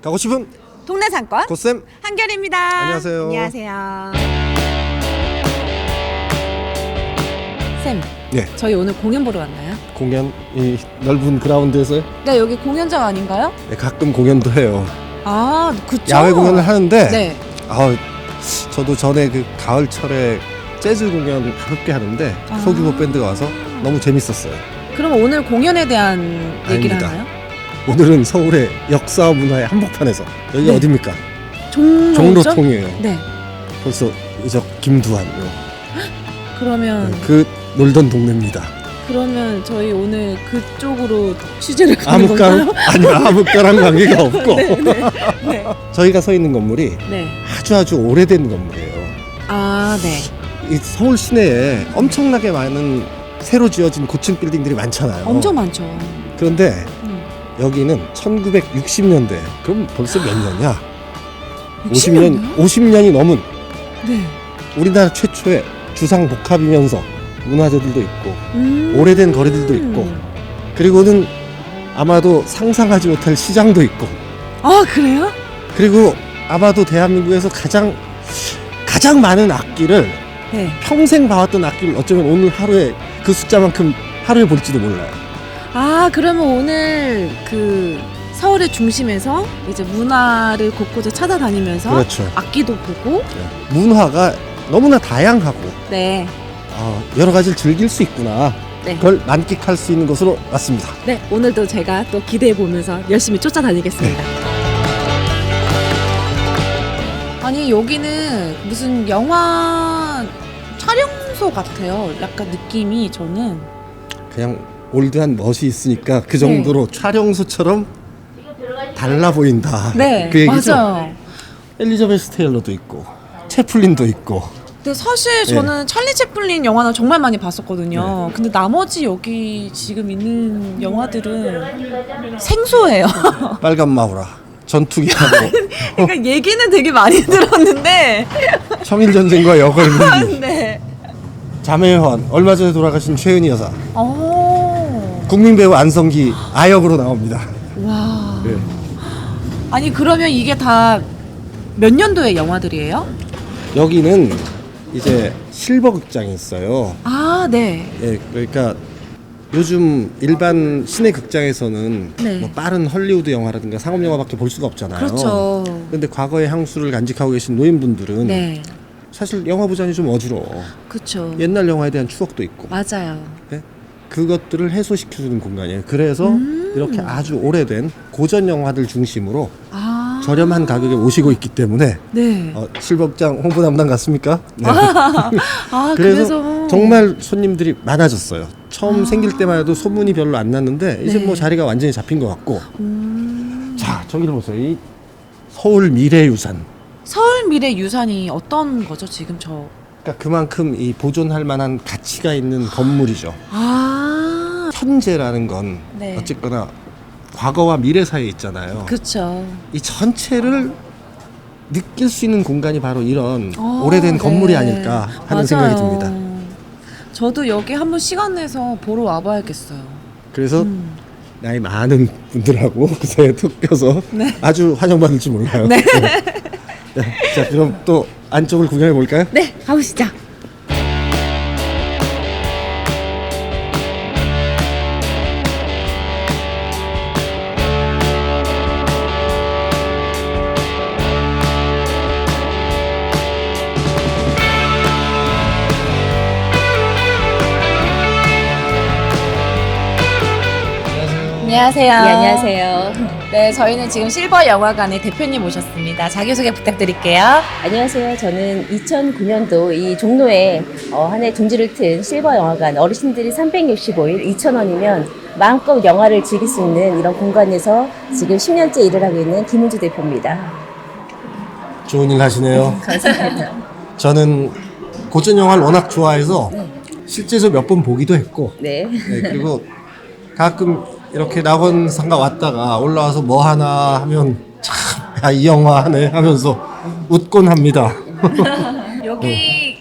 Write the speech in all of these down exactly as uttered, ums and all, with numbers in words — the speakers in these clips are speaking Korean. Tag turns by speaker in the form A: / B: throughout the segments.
A: 가고 싶은
B: 동네 상권
A: 고쌤
B: 한결입니다.
A: 안녕하세요.
B: 안녕하세요. 쌤,
A: 네.
B: 저희 오늘 공연 보러 왔나요?
A: 공연 이 넓은 그라운드에서요?
B: 네, 여기 공연장 아닌가요?
A: 네, 가끔 공연도 해요.
B: 아, 그쵸.
A: 야외 공연을 하는데
B: 네.
A: 아, 저도 전에 그 가을철에 재즈 공연 가볍게 하는데
B: 아.
A: 소규모 밴드가 와서 너무 재밌었어요.
B: 그럼 오늘 공연에 대한 얘기를
A: 아닙니다.
B: 하나요?
A: 오늘은 서울의 역사와 문화의 한복판에서 여기가
B: 네.
A: 어딥니까?
B: 종로죠?
A: 종로통이에요.
B: 네.
A: 벌써 이저 김두한 요.
B: 그러면
A: 네, 그 놀던 동네입니다.
B: 그러면 저희 오늘 그쪽으로 취재를 가는
A: 아무까랑
B: 건가요?
A: 아니 아무까랑 관계가 없고
B: 네, 네, 네.
A: 저희가 서 있는 건물이
B: 네.
A: 아주 아주 오래된 건물이에요.
B: 아, 네.
A: 이 서울 시내에 엄청나게 많은 새로 지어진 고층 빌딩들이 많잖아요.
B: 엄청 많죠.
A: 그런데
B: 음.
A: 여기는 천구백육십 년대. 그럼 벌써 몇 년이야?
B: 육십
A: 오십 년,
B: 년이요?
A: 오십 년이 넘은
B: 네.
A: 우리나라 최초의 주상 복합이면서 문화재들도 있고
B: 음.
A: 오래된 거리들도 있고 그리고는 아마도 상상하지 못할 시장도 있고
B: 아, 그래요?
A: 그리고 아마도 대한민국에서 가장 가장 많은 악기를
B: 네.
A: 평생 봐왔던 악기를 어쩌면 오늘 하루에 그 숫자만큼 하루에 볼지도 몰라요.
B: 아, 그러면 오늘 그 서울의 중심에서 이제 문화를 곳곳에 찾아다니면서
A: 그렇죠.
B: 악기도 보고
A: 문화가 너무나 다양하고
B: 네.
A: 어, 여러 가지를 즐길 수 있구나.
B: 네.
A: 그걸 만끽할 수 있는 곳으로 왔습니다.
B: 네, 오늘도 제가 또 기대해 보면서 열심히 쫓아다니겠습니다. 아니, 여기는 무슨 영화 촬영소 같아요. 약간 느낌이 저는.
A: 그냥 올드한 멋이 있으니까 그 정도로 촬영소처럼 달라 보인다.
B: 네,
A: 그 얘기죠.
B: 맞아요.
A: 엘리자베스 테일러도 있고 채플린도 있고.
B: 근데 사실 저는 찰리 채플린 영화는 정말 많이 봤었거든요. 근데 나머지 여기 지금 있는 영화들은 생소해요.
A: 빨간 마우라, 전투기하고
B: 그러니까 얘기는 되게 많이 들었는데
A: 청일전쟁과 여걸문기,
B: 네.
A: 자매회원, 얼마 전에 돌아가신 최은희 여사,
B: 어.
A: 국민배우 안성기 아역으로 나옵니다.
B: 와.
A: 네.
B: 아니, 그러면 이게 다 몇 년도의 영화들이에요?
A: 여기는 이제 실버 극장이 있어요.
B: 아, 네.
A: 예, 그러니까 요즘 일반 시내 극장에서는
B: 네.
A: 뭐 빠른 헐리우드 영화라든가 상업 영화밖에 볼 수가 없잖아요.
B: 그렇죠.
A: 근데 과거의 향수를 간직하고 계신 노인분들은
B: 네.
A: 사실 영화 보자니 좀 어지러워.
B: 그렇죠.
A: 옛날 영화에 대한 추억도 있고.
B: 맞아요.
A: 예? 그것들을 해소시켜주는 공간이에요. 그래서
B: 음.
A: 이렇게 아주 오래된 고전 영화들 중심으로
B: 아.
A: 저렴한 가격에 모시고 있기 때문에
B: 네.
A: 어, 실버극장 홍보 담당 같습니까? 네.
B: 아,
A: 그래서,
B: 그래서
A: 정말 손님들이 많아졌어요. 처음
B: 아.
A: 생길 때만 해도 소문이 별로 안 났는데 이제
B: 네.
A: 뭐 자리가 완전히 잡힌 것 같고.
B: 음.
A: 자, 저기를 보세요. 이 서울 미래유산.
B: 서울 미래 유산이 어떤 거죠, 지금 저?
A: 그러니까 그만큼 이 보존할 만한 가치가 있는 건물이죠.
B: 아.
A: 현재라는 건
B: 네.
A: 어쨌거나 과거와 미래 사이에 있잖아요.
B: 그렇죠.
A: 이 전체를 느낄 수 있는 공간이 바로 이런
B: 어,
A: 오래된
B: 네.
A: 건물이 아닐까 하는
B: 맞아요.
A: 생각이 듭니다.
B: 저도 여기 한번 시간 내서 보러 와봐야겠어요.
A: 그래서
B: 음.
A: 나이 많은 분들하고 그 사이에 툭 껴서
B: 네.
A: 아주 환영받을지 몰라요.
B: 네.
A: 네. 자, 그럼 또 안쪽을 구경해 볼까요?
B: 네, 가보시죠. 안녕하세요.
C: 네, 안녕하세요.
B: 네, 저희는 지금 실버 영화관의 대표님 모셨습니다. 자기소개 부탁드릴게요.
C: 안녕하세요. 저는 이천구 년도 이 종로에 어, 한 해 둥지를 튼 실버 영화관, 어르신들이 삼백육십오 일 이천 원이면 마음껏 영화를 즐길 수 있는 이런 공간에서 지금 십 년째 일을 하고 있는 김은주 대표입니다.
A: 좋은 일 하시네요.
C: 감사합니다.
A: 저는 고전 영화를 워낙 좋아해서 실제로 몇 번 보기도 했고
C: 네.
A: 네, 그리고 가끔 이렇게 낙원상가 왔다가 올라와서 뭐 하나 하면 참, 야, 이 영화 하네 하면서 웃곤 합니다.
B: 여기 이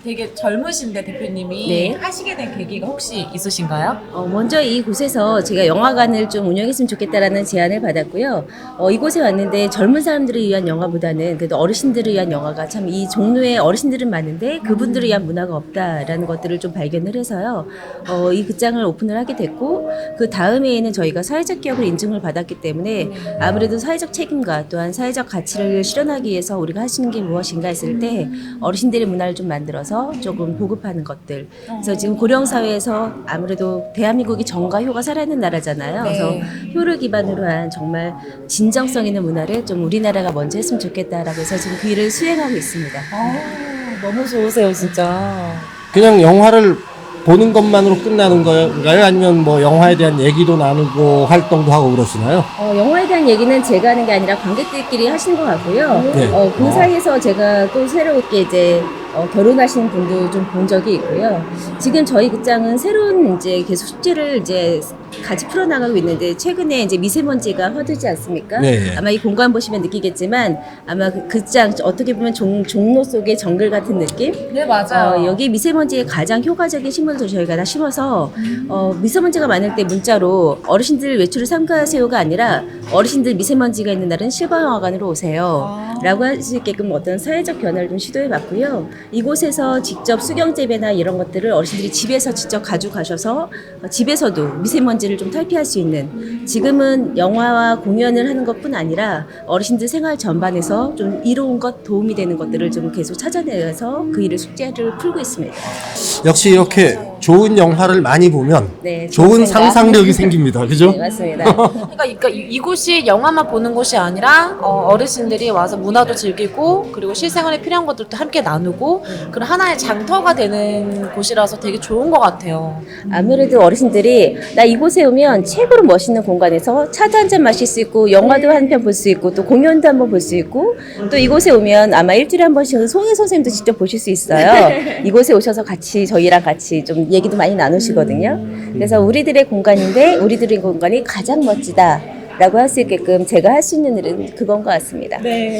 B: 되게 젊으신데 대표님이
C: 네.
B: 하시게 된 계기가 혹시 있으신가요?
C: 어, 먼저 이곳에서 제가 영화관을 좀 운영했으면 좋겠다라는 제안을 받았고요. 어, 이곳에 왔는데 젊은 사람들을 위한 영화보다는 그래도 어르신들을 위한 영화가 참 이 종로에 어르신들은 많은데 그분들을 위한 문화가 없다라는 것들을 좀 발견을 해서요. 어, 이 극장을 오픈을 하게 됐고 그 다음에는 저희가 사회적 기업을 인증을 받았기 때문에 아무래도 사회적 책임과 또한 사회적 가치를 실현하기 위해서 우리가 할 수 있는 게 무엇인가 했을 때 어르신들의 문화를 좀 만들어서 조금 보급하는 것들. 그래서 지금 고령 사회에서 아무래도 대한민국이 정과 효가 살아있는 나라잖아요. 그래서 효를 기반으로 한 정말 진정성 있는 문화를 좀 우리나라가 먼저 했으면 좋겠다라고 해서 지금 그 일을 수행하고 있습니다.
B: 아, 너무 좋으세요, 진짜.
A: 그냥 영화를 보는 것만으로 끝나는 건가요? 아니면 뭐 영화에 대한 얘기도 나누고 활동도 하고 그러시나요?
C: 어, 영화에 대한 얘기는 제가 하는 게 아니라 관객들끼리 하시는 것 같고요.
A: 네.
C: 어, 그 사이에서 제가 또 새롭게 이제 어, 결혼하신 분도 좀 본 적이 있고요. 지금 저희 극장은 새로운 이제 계속 숙제를 이제 같이 풀어나가고 있는데 최근에 이제 미세먼지가 허들지 않습니까?
A: 네.
C: 아마 이 공간 보시면 느끼겠지만 아마 그 극장 어떻게 보면 종, 종로 속의 정글 같은 느낌?
B: 네, 맞아요.
C: 어, 여기 미세먼지에 가장 효과적인 식물도 저희가 다 심어서 어, 미세먼지가 많을 때 문자로 어르신들 외출을 삼가하세요가 아니라 어르신들 미세먼지가 있는 날은 실버영화관으로 오세요
B: 아.
C: 라고 할 수 있게끔 어떤 사회적 변화를 좀 시도해 봤고요. 이곳에서 직접 수경재배나 이런 것들을 어르신들이 집에서 직접 가져가셔서 어, 집에서도 미세먼지를 좀 탈피할 수 있는, 지금은 영화와 공연을 하는 것뿐 아니라 어르신들 생활 전반에서 좀 이로운 것, 도움이 되는 것들을 좀 계속 찾아내서 그 일을 숙제를 풀고 있습니다.
A: 역시 이렇게 좋은 영화를 많이 보면
C: 네,
A: 좋은
C: 좋은 생각.
A: 상상력이 생깁니다. 그죠?
C: 네, 맞습니다.
B: 그러니까, 그러니까 이- 이곳이 영화만 보는 곳이 아니라 어, 어르신들이 와서 문화도 즐기고 그리고 실생활에 필요한 것들도 함께 나누고 그런 하나의 장터가 되는 곳이라서 되게 좋은 것 같아요.
C: 아무래도 어르신들이 나 이곳에 오면 최고로 멋있는 공간에서 차도 한 잔 마실 수 있고 영화도 한 편 볼 수 있고 또 공연도 한번 볼 수 있고 또 이곳에 오면 아마 일주일에 한 번씩은 송혜 선생님도 직접 보실 수 있어요. 이곳에 오셔서 같이 저희랑 같이 좀 얘기도 많이 나누시거든요. 그래서 우리들의 공간인데 우리들의 공간이 가장 멋지다 라고 할 수 있게끔 제가 할 수 있는 일은 그건 것 같습니다.
B: 네.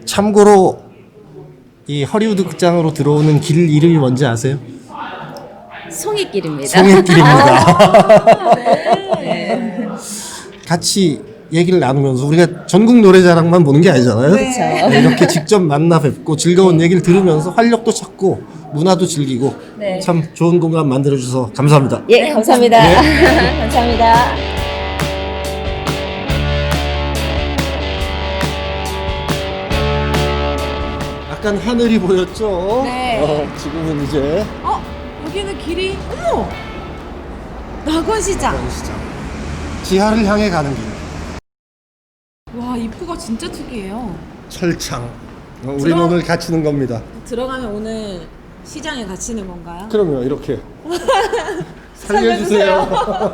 A: 참고로 이 허리우드 극장으로 들어오는 길 이름이 뭔지 아세요?
C: 송이길입니다.
A: 송이길입니다. 같이 얘기를 나누면서 우리가 전국 노래자랑만 보는 게 아니잖아요.
C: 그렇죠.
A: 네, 이렇게 직접 만나 뵙고 즐거운 얘기를 들으면서 활력도 찾고 문화도 즐기고
C: 네.
A: 참 좋은 공간 만들어 주셔서 감사합니다.
C: 예, 감사합니다. 감사합니다.
A: 약간 하늘이 보였죠?
B: 네.
A: 어, 지금은 이제
B: 어, 여기는 길이 어머, 낙원시장.
A: 시장 지하를 향해 가는 길.
B: 와, 입구가 진짜 특이해요.
A: 철창. 어, 우리는
B: 들어-
A: 오늘 갇히는 겁니다.
B: 들어가면 오늘 시장에 갇히는 건가요?
A: 그럼요, 이렇게 살려주세요.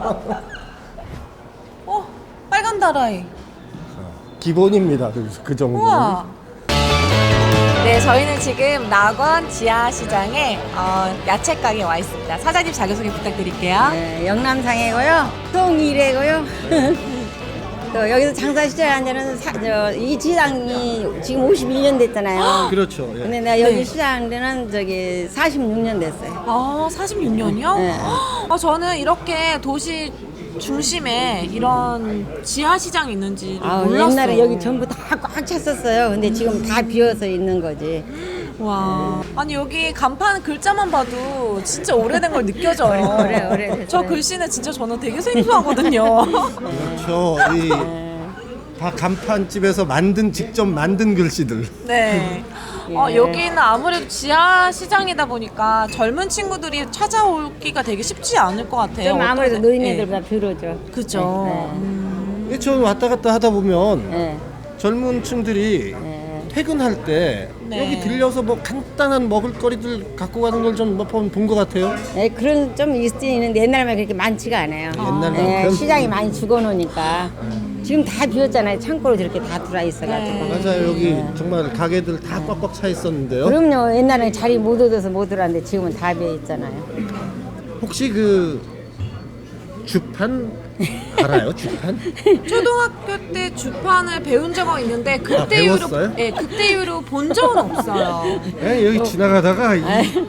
B: 어, 빨간 다라이.
A: 기본입니다. 그, 그 정도는.
B: 우와. 네, 저희는 지금 낙원 지하시장에 어, 야채 가게에 와 있습니다. 사장님 자기소개 부탁드릴게요.
D: 네, 영남상이고요. 송이래고요. 또 여기서 장사 시작한 지는 사, 저, 이 시장이 지금 오십일 년 됐잖아요.
A: 그렇죠. 예.
D: 근데 내가 여기
B: 네.
D: 시작한 데는 저기 사십육 년 됐어요.
B: 아, 사십육 년이요?
D: 네.
B: 아, 저는 이렇게 도시 중심에 이런 지하시장이 있는지
D: 아,
B: 몰랐어요.
D: 옛날에 여기 전부 다 꽉 찼었어요. 근데 지금 다 비어서 있는 거지.
B: 와, 아니 여기 간판 글자만 봐도 진짜 오래된 걸 느껴져요.
D: 오래, 오래됐어요.
B: 저 글씨는 진짜 저는 되게 생소하거든요.
A: 그렇죠. 이 다 간판집에서 만든 직접 만든 글씨들.
B: 네. 어, 여기는 아무래도 지하 시장이다 보니까 젊은 친구들이 찾아오기가 되게 쉽지 않을 것 같아요.
D: 좀 아무래도
B: 어떠세-
D: 노인네들보다 덜어죠.
B: 네. 그죠.
D: 네.
B: 음.
A: 예, 저는 왔다 갔다 하다 보면
D: 네.
A: 젊은 층들이
D: 네.
A: 퇴근할 때
B: 네.
A: 여기 들려서 뭐 간단한 먹을거리들 갖고 가는 걸 좀 본 것 같아요.
D: 네, 그런 좀 있긴 있는데 옛날만 그렇게 많지가 않아요.
A: 옛날만큼?
D: 네, 시장이 많이 죽어놓으니까 지금 다 비었잖아요. 창고로 저렇게 다 들어와 있어가지고.
B: 네.
A: 맞아요. 여기 정말 가게들 다 꽉꽉 차 있었는데요.
D: 그럼요. 옛날에 자리 못 얻어서 못 들어왔는데 지금은 다 비어 있잖아요.
A: 혹시 그 주판 알아요? 주판?
B: 초등학교 때 주판을 배운 적은 있는데 그때
A: 아,
B: 이후로
A: 배웠어요?
B: 예, 그때 이후로 본 적은 없어요.
A: 예, 여기 지나가다가 이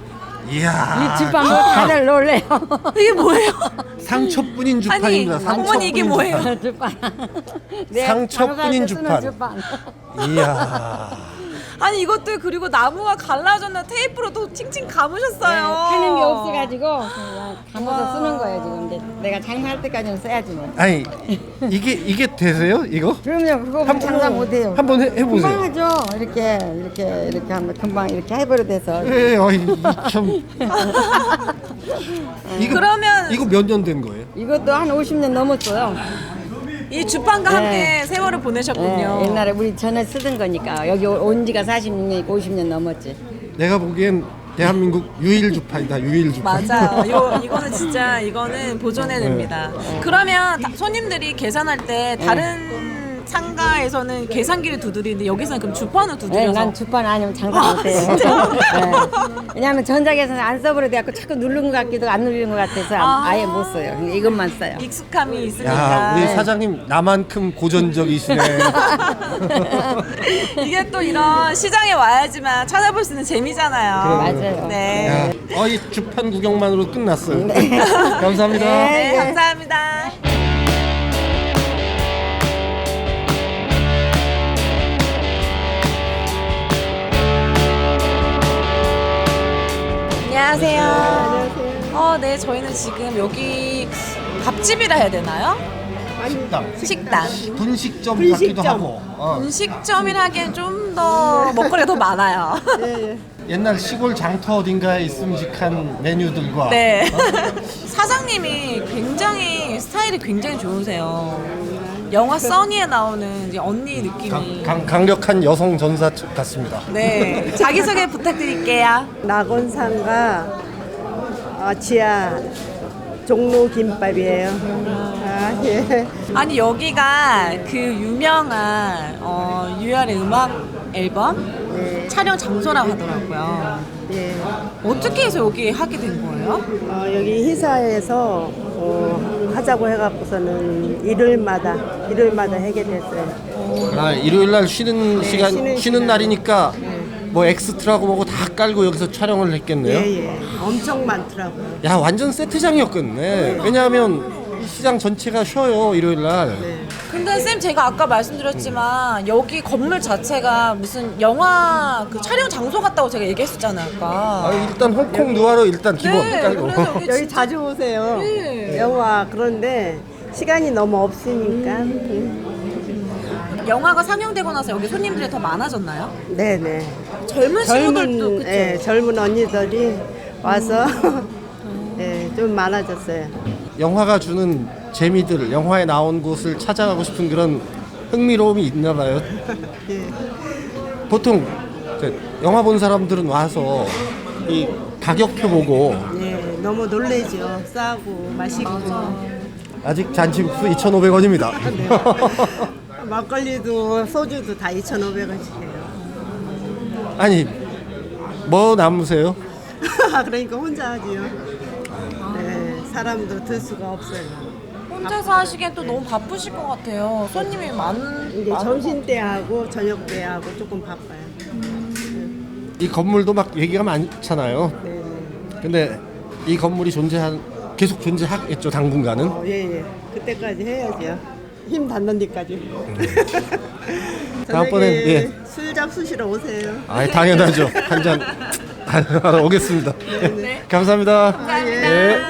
A: 이야.
D: 이 주판 보고 다들 놀래요.
B: 이게 뭐예요?
A: 상처뿐인
B: 아니,
A: 주판입니다.
B: 어머니 이게 뭐예요?
D: 주판.
A: 상처뿐인 주판.
D: 주판.
A: 이야.
B: 아니 이것도 그리고 나무가 갈라졌나 테이프로 또 칭칭 감으셨어요.
D: 하는 게 없어가지고 그냥 감아서 쓰는 거예요 지금. 근데 내가 장사할 때까지는 써야지 뭐.
A: 아니 이게 이게 되세요? 이거?
D: 그럼요. 그거
A: 한
D: 장사
A: 번-
D: 못해요.
A: 한번 해- 해보세요.
D: 금방 하죠. 이렇게 이렇게 이렇게 하면 금방 이렇게 해버려 돼서.
A: 예, 어이 참. 이거
B: 그러면-
A: 이거 몇 년 된 거예요?
D: 이것도 한 오십 년 넘었어요.
B: 이 주판과
D: 네.
B: 함께 세월을 보내셨군요.
D: 예, 옛날에 우리 전에 쓰던 거니까 여기 온 지가 사십육 년이고 오십 년 넘었지.
A: 내가 보기엔 대한민국 유일 주판이다. 유일 주판.
B: 맞아요. 이거 이거는 진짜 이거는 보존해 냅니다. 그러면 다- 손님들이 계산할 때 다른 상가에서는 계산기를 두드리는데 여기서는 그럼 주판을
D: 네,
B: 두드려서
D: 난 주판 아니면 장사 못해요. 네. 왜냐하면 전작에서는 안 써버려 돼갖고 자꾸 누른 것 같기도 안 누르는 것 같아서
B: 아.
D: 아예 못 써요. 그냥 이것만 써요.
B: 익숙함이 있으니까.
A: 야, 우리 사장님 나만큼 고전적이시네.
B: 이게 또 이런 시장에 와야지만 찾아볼 수 있는 재미잖아요.
D: 맞아요.
B: 네.
A: 야, 어, 이 주판 구경만으로 끝났어요. 감사합니다.
B: 네, 감사합니다. 안녕하세요. 안녕하세요. 어, 네, 저희는 지금 여기 밥집이라 해야 되나요?
A: 식당.
B: 식당.
A: 분식점 같기도 하고. 어.
B: 음식점이라 하기엔 좀 더 먹거리가 더 많아요.
A: 옛날 시골 장터 어딘가에 있음직한 메뉴들과
B: 네. 사장님이 굉장히 스타일이 굉장히 좋으세요. 영화 써니에 나오는 이제 언니 느낌이.
A: 강, 강, 강력한 여성 전사 같습니다.
B: 네. 자기소개 부탁드릴게요.
E: 낙원상가 어, 지하 종로 김밥이에요. 아, 예.
B: 아니 여기가 그 유명한 어, 유열의 음악 앨범
E: 네.
B: 촬영 장소라고 하더라고요.
E: 예.
B: 어떻게 해서 여기 하게 된 거예요?
E: 어, 여기 회사에서 어, 하자고 해갖고서는 일요일마다 일요일마다 하게 됐어요.
A: 아, 일요일 날 쉬는 시간 쉬는,
E: 쉬는 시간.
A: 날이니까 뭐 엑스트라고 뭐고 다 깔고 여기서 촬영을 했겠네요.
E: 예예. 엄청 많더라고요.
A: 야, 완전 세트장이었겠네. 왜냐하면 시장 전체가 쉬어요 일요일 날.
E: 네.
B: 근데 쌤 제가 아까 말씀드렸지만 여기 건물 자체가 무슨 영화 그 촬영 장소 같다고 제가 얘기했었잖아요 아까.
A: 아, 일단 홍콩 누아르 일단 기본
B: 네,
A: 깔고.
B: 그래서 여기
E: 여기
B: 진짜
E: 자주 오세요.
B: 네.
E: 영화 그런데 시간이 너무 없으니까.
B: 영화가 상영되고 나서 여기 손님들이 더 많아졌나요?
E: 네네.
B: 젊은 친구들도
E: 젊은
B: 그쵸?
E: 예, 젊은 언니들이 와서 예, 좀 많아졌어요.
A: 영화가 주는 재미들, 영화에 나온 곳을 찾아가고 싶은 그런 흥미로움이 있나 봐요.
E: 예.
A: 보통 이제 영화 본 사람들은 와서 이 가격표 보고
E: 예, 너무 놀래죠. 싸고 맛있고.
A: 아직 잔치국수 이천오백 원입니다.
E: 막걸리도 소주도 다 이천오백 원씩이에요.
A: 아니 뭐 남으세요?
E: 그러니까 혼자 하지요. 네, 사람도 들 수가 없어요.
B: 혼자서 하시기엔 또 너무 바쁘실 것 같아요. 손님이 많.
E: 이제
B: 많-
E: 점심 때 하고 저녁 때 하고 조금 바빠요.
A: 이 건물도 막 얘기가 많잖아요.
E: 네, 네.
A: 근데 이 건물이 존재한 계속 존재하겠죠 당분간은.
E: 어, 예, 예. 그때까지 해야죠. 힘 닿는 데까지.
A: 다음번엔,
E: 저녁에
A: 예.
E: 술 잡수시러 오세요.
A: 아, 당연하죠. 한 잔 하러 오겠습니다. 예. 감사합니다.
B: 감사합니다.
A: 예.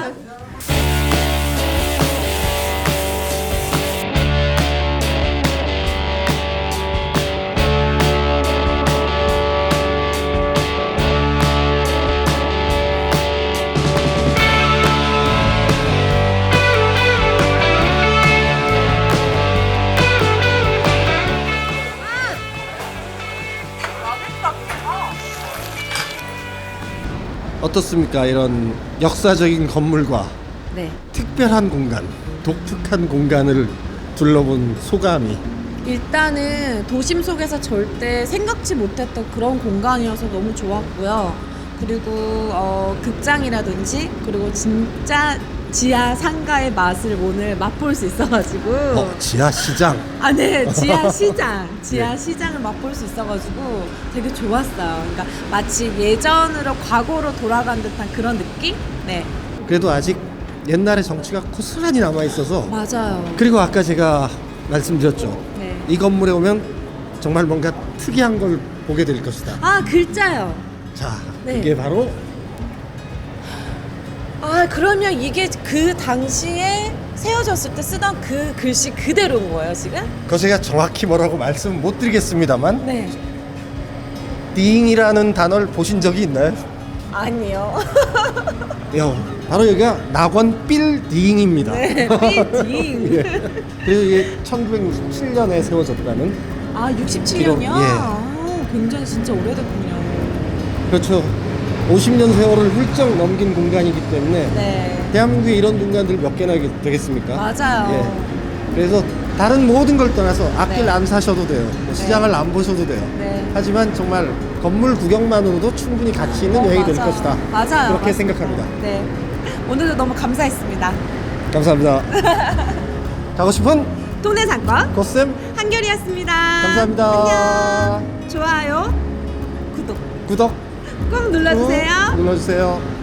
A: 어떻습니까? 이런 역사적인 건물과
B: 네.
A: 특별한 공간, 독특한 공간을 둘러본 소감이.
B: 일단은 도심 속에서 절대 생각지 못했던 그런 공간이어서 너무 좋았고요. 그리고 어, 극장이라든지 그리고 진짜 지하 상가의 맛을 오늘 맛볼 수 있어가지고
A: 어, 지하 시장.
B: 아, 네. 지하 시장. 지하
A: 네.
B: 시장을 맛볼 수 있어가지고 되게 좋았어요. 그러니까 마치 예전으로 과거로 돌아간 듯한 그런 느낌? 네.
A: 그래도 아직 옛날의 정치가 고스란히 남아 있어서.
B: 맞아요.
A: 그리고 아까 제가 말씀드렸죠.
B: 네.
A: 이 건물에 오면 정말 뭔가 특이한 걸 보게 될 것이다.
B: 아, 글자요.
A: 자,
B: 네.
A: 이게 바로
B: 아, 그러면 이게 그 당시에 세워졌을 때 쓰던 그 글씨 그대로인 거예요, 지금?
A: 그 제가 정확히 뭐라고 말씀 못 드리겠습니다만
B: 네.
A: 딩이라는 단어를 보신 적이 있나요?
B: 아니요.
A: 요, 바로 여기가 낙원 빌딩입니다.
B: 네, 빌딩.
A: 예. 그래서 이게 천구백육십칠 년에 세워졌다는.
B: 아, 육십칠 년이요?
A: 기록, 예.
B: 아, 굉장히 진짜 오래됐군요.
A: 그렇죠. 오십 년 세월을 훌쩍 넘긴 공간이기 때문에
B: 네.
A: 대한민국에 이런 공간들 몇 개나 되겠습니까?
B: 맞아요.
A: 예. 그래서 다른 모든 걸 떠나서 앞길
B: 네.
A: 안 사셔도 돼요. 뭐 시장을 안 보셔도 돼요.
B: 네.
A: 하지만 정말 건물 구경만으로도 충분히 가치 있는
B: 어,
A: 여행이 될
B: 맞아요.
A: 것이다.
B: 맞아요.
A: 그렇게
B: 맞습니다.
A: 생각합니다.
B: 네. 오늘도 너무 감사했습니다.
A: 감사합니다. 가고 싶은
B: 동네 상권
A: 고쌤
B: 한결이었습니다.
A: 감사합니다.
B: 안녕. 좋아요, 구독
A: 구독
B: 꼭 눌러주세요.
A: 꾹 눌러주세요.